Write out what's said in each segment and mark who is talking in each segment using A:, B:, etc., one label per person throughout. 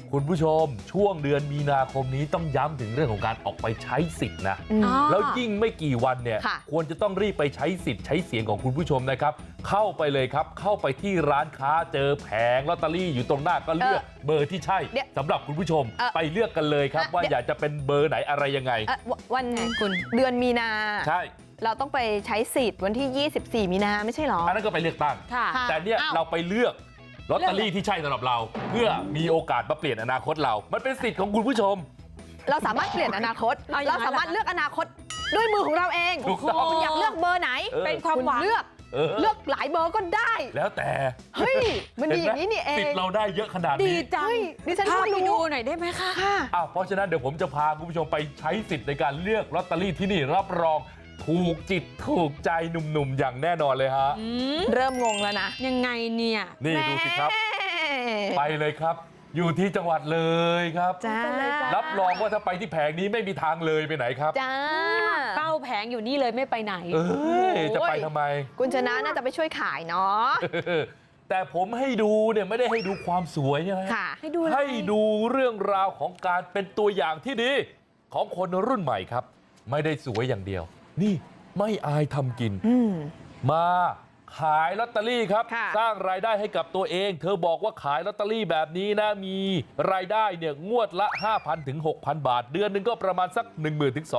A: คุณผู้ชมช่วงเดือนมีนาคมนี้ต้องย้ำถึงเรื่องของการออกไปใช้สิทธิ์นะแล้วยิ่งไม่กี่วันเนี่ยควรจะต้องรีบไปใช้สิทธิ์ใช้เสียงของคุณผู้ชมนะครับเข้าไปเลยครับเข้าไปที่ร้านค้าเจอแผงลอตเตอรี่อยู่ตรงหน้าก็เลือกเบอร์ที่ใช่สำหรับคุณผู้ชมไปเลือกกันเลยครับว่าอยากจะเป็นเบอร์ไหนอะไรยังไง
B: วันคุณเดือนมีนา
A: ใช่
B: เราต้องไปใช้สิทธิ์วันที่24มีนาไม่ใช่หรอ
A: อันนั้นก็ไปเลือกตั้งแต่เนี่ยเราไปเลือกลอตเตอรี่ที่ใช่สำหรับเราเพื่อมีโอกาสมาเปลี่ยนอนาคตเรามันเป็นสิทธิ์ของคุณผู้ชม
B: เราสามารถเปลี่ยนอนาคตเราสามารถเลือกอนาคตด้วยมือของเราเองคุณอยากเลือกเบอร์ไหน
C: เป็นความหวัง
B: เลือกหลายเบอร์ก็ได้
A: แล้วแต่
B: เฮ้ยมันดีอย่างนี้นี่เอง
A: สิทธิ์เราได้เยอะขนาดนี้
C: ดีจัง
B: ดิฉัน
C: พาไปดูหน่อยได้ไหมคะ
A: เพราะฉะนั้นเดี๋ยวผมจะพาคุณผู้ชมไปใช้สิทธิ์ในการเลือกลอตเตอรี่ที่นี่รับรองถูกจิตถูกใจหนุ่มๆอย่างแน่นอนเลยฮะ
B: เริ่มงงแล้วนะ
C: ยังไงเนี่ย
A: นี่ดูสิครับไปเลยครับอยู่ที่จังหวัดเลยครับรับรองว่าถ้าไปที่แผงนี้ไม่มีทางเลยไปไหนครับ
B: จ้า
C: เป้าแผงอยู่นี่เลยไม่ไปไหน
A: จะไปทำไม
B: คุณชนะน่าจะไปช่วยขายเนาะ
A: แต่ผมให้ดูเนี่ยไม่ได้ให้ดูความสวยใช่ไหมให้ดูเรื่องราวของการเป็นตัวอย่างที่ดีของคนรุ่นใหม่ครับไม่ได้สวยอย่างเดียวนี่ไม่อายทำกินมาขายลอตเตอรี่ครับสร้างรายได้ให้กับตัวเองเธอบอกว่าขายลอตเตอรี่แบบนี้นะมีรายได้เนี่ยงวดละ 5,000 ถึง 6,000 บาทเดือนนึงก็ประมาณสัก 10,000 ถึง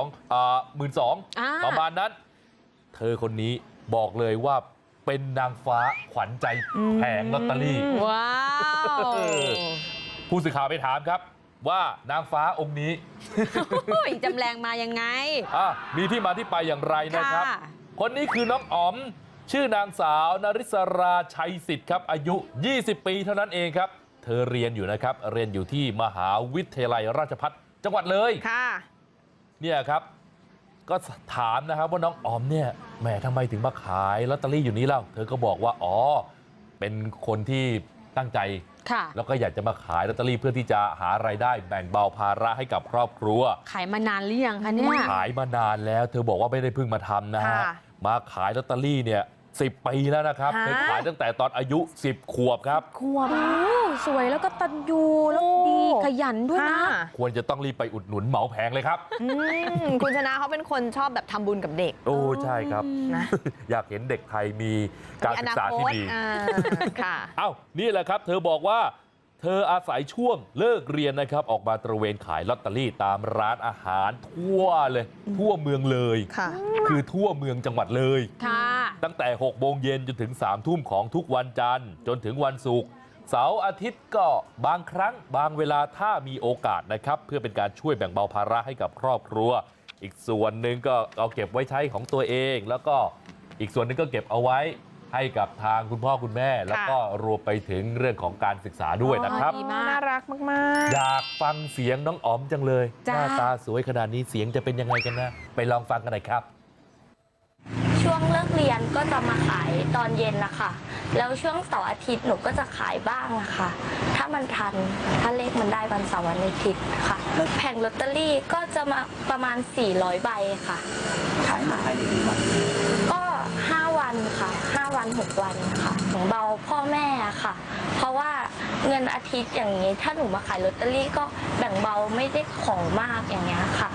A: 12,000 ประมาณนั้นเธอคนนี้บอกเลยว่าเป็นนางฟ้าขวัญใจแผงลอตเตอรี่
C: ว้าว
A: ผู้สื่อข่าวไปถามครับว่านางฟ้าองค์นี้
C: จำแรงมายังไง
A: มีที่มาที่ไปอย่างไรนะครับคนนี้คือน้องอ๋อมชื่อนางสาวนริศราชัยสิทธิ์ครับอายุ20 ปีเท่านั้นเองครับเธอเรียนอยู่นะครับเรียนอยู่ที่มหาวิทยาลัยราชภัฏจังหวัดเลยเนี่ยครับก็ถามนะครับว่าน้องอ๋อมเนี่ยแหมทำไมถึงมาขายลอตเตอรี่อยู่นี้เล่าเธอก็บอกว่าอ๋อเป็นคนที่ตั้งใจแล้วก็อยากจะมาขายลอตเตอรี่เพื่อที่จะหารายได้แบ่งเบาภาระให้กับครอบครัว
C: ขายมานานหรือยังคะเนี่ย
A: ขายมานานแล้วเธอบอกว่าไม่ได้เพิ่งมาทำนะฮะมาขายลอตเตอรี่เนี่ย10 ปีแล้วนะครับเธอขายตั้งแต่ตอนอายุ10 ขวบครับ
C: ขวบสวยแล้วก็ตันยูแล้วดีขยันด้วยนะ
A: ควรจะต้องรีบไปอุดหนุนเหมาแผงเลยครับ
B: คุณชนะเขาเป็นคนชอบแบบทำบุญกับเด็ก
A: โอ้ใช่ครับอยากเห็นเด็กไทยมีการศึกษาที่ดีนี่แหละครับเธอบอกว่าเธออาศัยช่วงเลิกเรียนนะครับออกมาตระเวนขายลอตเตอรี่ตามร้านอาหารทั่วเลยทั่วเมืองเลยคือทั่วเมืองจังหวัดเลยตั้งแต่6 โมงเย็นจนถึง3 ทุ่มของทุกวันจันทร์จนถึงวันศุกร์เสาร์อาทิตย์ก็บางครั้งบางเวลาถ้ามีโอกาสนะครับเพื่อเป็นการช่วยแบ่งเบาภาระให้กับครอบครัวอีกส่วนหนึ่งก็เอาเก็บไว้ใช้ของตัวเองแล้วก็อีกส่วนหนึ่งก็เก็บเอาไว้ให้กับทางคุณพ่อคุณแม่แล้วก็รวมไปถึงเรื่องของการศึกษาด้วยนะครับ
B: น่ารักมาก
A: ๆอยากฟังเสียงน้องอ๋อมจังเลยหน้าตาสวยขนาดนี้เสียงจะเป็นยังไงกันนะไปลองฟังกันหน่อยครับ
D: ช่วงเลิกเรียนก็จะมาขายตอนเย็นนะคะแล้วช่วงเสาร์อาทิตย์หนูก็จะขายบ้างนะคะถ้ามันทันถ้าเลขมันได้วันเสาร์วันอาทิตย์ค่ะแผงลอตเตอรี่ก็จะมาประมาณ400 ใบค่ะ
E: ขายมาได้กี่วัน
D: ก็5 วันค่ะ5 วัน 6 วันค่ะแบ่งเบาพ่อแม่ค่ะเพราะว่าเงินอาทิตย์อย่างนี้ถ้าหนูมาขายลอตเตอรี่ก็แบ่งเบาไม่ได้ของมากอย่างเงี้ยค่ะ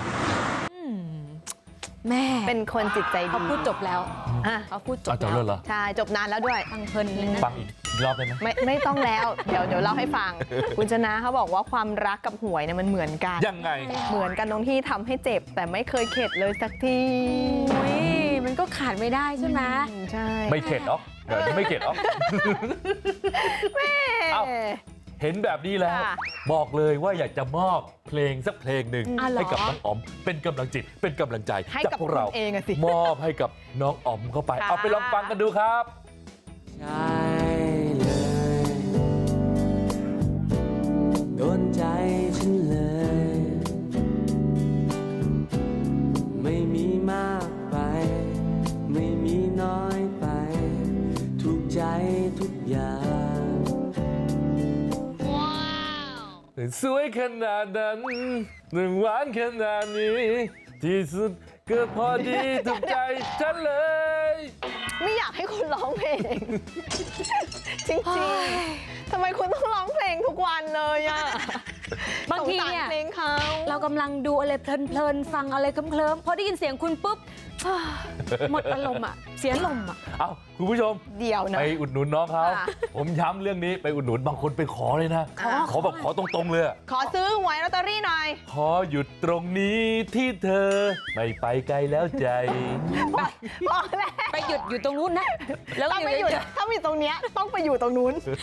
B: แม่เป็นคนจิตใจดี
C: เขาพูดจบแล้วเขาพูดจบ
A: แล้วเหรอ
B: ใช่จบนานแล้วด้วย
C: ฟังเพลินเลยนะ
A: ฟังอีกรอบได้ไหม
B: ไม่ต้องแล้วเดี๋ยวเล่าให้ฟังคุณชนะเขาบอกว่าความรักกับหวยเนี่ยมันเหมือนกัน
A: ยังไง
B: เหมือนกันตรงที่ทำให้เจ็บแต่ไม่เคยเข็ดเลยสักที
C: มันก็ขาดไม่ได้ใช่ไหม
B: ใช่
A: ไม่เข็ดหรอกเดี๋ยวไม่เข็ดหรอก
B: แม่
A: เห็นแบบนี้แล้วบอกเลยว่าอยากจะมอบเพลงสักเพลงหนึ่งให้กับน้องอ๋อมเป็นกำลังจิตเป็นกำลังใจจากพวกเรามอบให้กับน้องอ๋อมเข้าไปเอาไปลองฟังกันดูครับ
E: ใช่เลยโดนใจฉันเลยไม่มีมากไปไม่มีน้อยไปถูกใจทุกอย่าง
A: สวยขนาดนั้นหวานขนาดนี้ที่สุดก็พอดีถูกใจฉันเลย
B: ไม่อยากให้คุณร้องเพลงจริงๆทำไมคุณต้องร้องเพลงทุกวันเลยอ่ะ
C: บางที
B: สสร
C: เนี่ย
B: เพลงเขา
C: เรากำลังดูอะไรเพลินๆฟังอะไรเคลิ้มๆพอได้ยินเสียงคุณปุ๊บ หมดอารมณ์อ่ะเสียลมอ่ะ
A: เอ้าคุณผู้ชม
B: เดียวนะ
A: ไปอุดหนุนน้องเขา
B: ค่ะ
A: ผมย้ำเรื่องนี้ไปอุดหนุนบางคนไปขอเลยนะ ขอแบบขอตรงๆเลยอะ
B: ขอซื้อหวยลอตเตอรี่หน่อย
A: ขอหยุดตรงนี้ที่เธอ ไม่ไปไกลแล้วใจ
B: พอแล้ว
C: ไปหยุดอยู่ตรงนู้นนะ แล้ว
B: ถ้าไม่หยุดถ้ามีตรงเนี้ยต้องไปอยู่ตรงนู้น